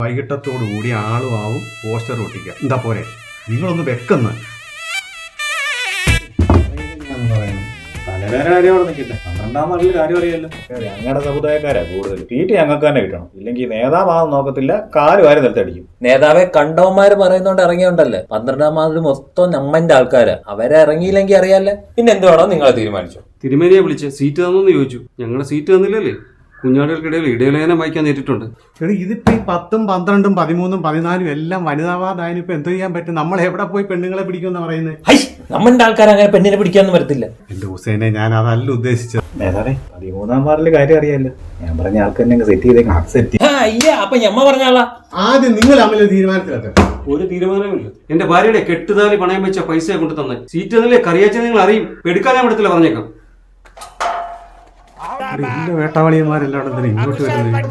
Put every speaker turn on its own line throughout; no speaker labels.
വൈകിട്ടത്തോടു കൂടി ആളും ആവും പോസ്റ്റർ ഒട്ടിക്കുക. എന്താ പോരെ, നിങ്ങളൊന്ന് വെക്കുന്ന
തലവേദന കാര്യം അവിടെ നിൽക്കില്ല. 12-ാം വാർഡിൽ കാര്യം അറിയാലോ. ഞങ്ങളുടെ സമുദായക്കാരാ കൂടുതൽ. തീറ്റ ഞങ്ങൾക്ക് തന്നെ കിട്ടണം. ഇല്ലെങ്കിൽ നേതാവാന്ന് നോക്കത്തില്ല, കാല് വാരി നിലത്തടിക്കും.
നേതാവെ കണ്ടവന്മാര് പറയുന്നോണ്ട് ഇറങ്ങിയോണ്ടല്ലേ. 12-ാം വാർഡിൽ മൊത്തം നമ്മന്റെ ആൾക്കാരാ. അവരെ ഇറങ്ങിയില്ലെങ്കിൽ അറിയാല്ലേ. പിന്നെ എന്തുവാണോ നിങ്ങളെ തീരുമാനിച്ചു?
തിരുമേനിയെ വിളിച്ച് സീറ്റ് തന്നോന്ന് ചോദിച്ചു. ഞങ്ങളുടെ സീറ്റ് തന്നില്ലല്ലേ. കുഞ്ഞാടുകൾക്കിടയിൽ ഇടയലേഖനം വായിക്കാൻ നേരിട്ടുണ്ട്.
ഇതിപ്പോ ഈ 10ഉം 12ഉം 13ഉം 14ഉം എല്ലാം വനിതാ വാർഡായാലും ഇപ്പൊ എന്ത് ചെയ്യാൻ പറ്റും? നമ്മൾ എവിടെ പോയി പെണ്ണുങ്ങളെ പിടിക്കുമെന്ന് പറയുന്നത്?
നമ്മന്റെ ആൾക്കാർ അങ്ങനെ പെണ്ണിനെ പിടിക്കാനൊന്നും വരത്തില്ല.
എന്റെ ഹുസൈനെ, ഞാൻ അതല്ല ഉദ്ദേശിച്ചത്.
നേതാവേ 13-ാം വാർഡിൽ കാര്യം അറിയാലോ. ഞാൻ പറഞ്ഞ ആൾക്ക് തന്നെ സെറ്റ് ചെയ്തേക്കാം. സെറ്റ്
അപ്പൊ ഞമ്മ പറഞ്ഞാളാ.
ആദ്യം നിങ്ങൾ തമ്മിൽ തീരുമാനത്തിലെത്ത.
ഒരു തീരുമാനമില്ല. എന്റെ ഭാര്യയുടെ കെട്ടുതാലി പണയം വെച്ച പൈസ കൊണ്ട് തന്നെ സീറ്റ് തന്നില്ലേ. കറിയാച്ച നിങ്ങൾ അറിയും. എടുക്കാൻ ഞാൻ വിടത്തില്ല, പറഞ്ഞേക്കാം.
വേട്ടാവളിയന്മാരെല്ലാം ഇങ്ങോട്ട് വരുന്നത്.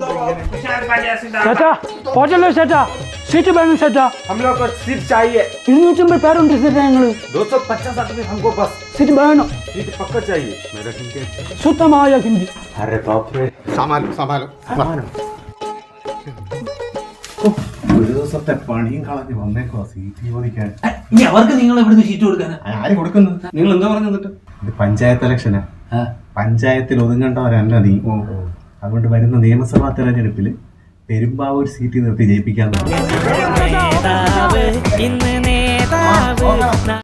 चाचा पहुंच लो चाचा, सीट बैठो चाचा।
हम लोग को सीट चाहिए।
250 पैरों की सीट रहेंगे।
250 आदमी हमको बस
सीट बैठो,
सीट पक्का चाहिए।
मेरा हिंदी
सुतम आया हिंदी।
अरे बाप रे,
സമാനം. ഒരു ദിവസത്തെ പണിയും കളഞ്ഞ് വന്നേക്കോ സീറ്റ് ചോദിക്കാൻ.
അവർക്ക് നിങ്ങൾ എവിടുന്ന് സീറ്റ് കൊടുക്കാനാ?
ആര് കൊടുക്കുന്നു?
നിങ്ങൾ എന്താ പറഞ്ഞു എന്നിട്ട്?
ഇത് പഞ്ചായത്ത് ഇലക്ഷനാ. പഞ്ചായത്തിൽ ഒതുങ്ങേണ്ടവരല്ല നീ. അതുകൊണ്ട് വരുന്ന നിയമസഭാ തെരഞ്ഞെടുപ്പിൽ പെരുമ്പാവൂർ സീറ്റ് നിർത്തി ജയിപ്പിക്കാൻ